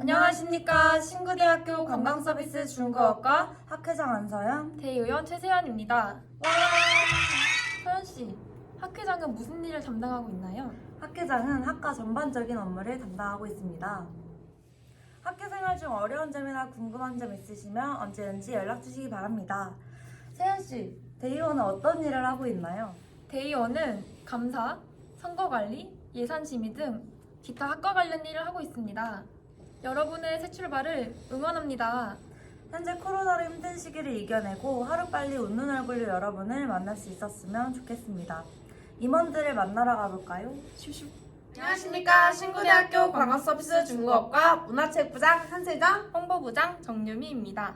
안녕하십니까. 신구대학교 관광서비스 중국어과 학회장 안서연, 대의원 최세연입니다. 와! 서연씨, 학회장은 무슨 일을 담당하고 있나요? 학회장은 학과 전반적인 업무를 담당하고 있습니다. 학교 생활 중 어려운 점이나 궁금한 점 있으시면 언제든지 연락 주시기 바랍니다. 세연씨, 대의원은 어떤 일을 하고 있나요? 대의원은 감사, 선거관리, 예산심의 등 기타 학과 관련 일을 하고 있습니다. 여러분의 새 출발을 응원합니다. 현재 코로나로 힘든 시기를 이겨내고 하루빨리 웃는 얼굴로 여러분을 만날 수 있었으면 좋겠습니다. 임원들을 만나러 가볼까요? 슈슈. 안녕하십니까. 신구대학교 관광서비스 중국어과 문화체육부장 한세정. 홍보부장 정유미입니다.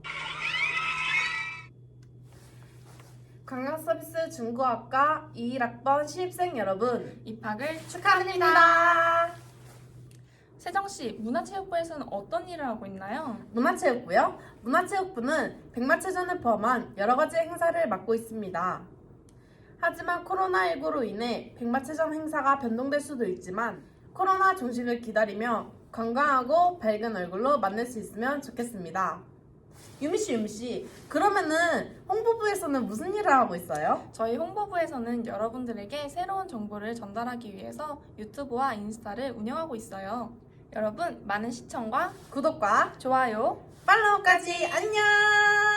관광서비스 중국어학과 21학번 신입생 여러분 입학을 축하드립니다. 세정씨, 문화체육부에서는 어떤 일을 하고 있나요? 문화체육부요? 문화체육부는 백마체전을 포함한 여러 가지 행사를 맡고 있습니다. 하지만 코로나19로 인해 백마체전 행사가 변동될 수도 있지만 코로나 종식을 기다리며 건강하고 밝은 얼굴로 만날 수 있으면 좋겠습니다. 유미씨, 그러면은 홍보부에서는 무슨 일을 하고 있어요? 저희 홍보부에서는 여러분들에게 새로운 정보를 전달하기 위해서 유튜브와 인스타를 운영하고 있어요. 여러분, 많은 시청과 구독과 좋아요 팔로우까지 안녕!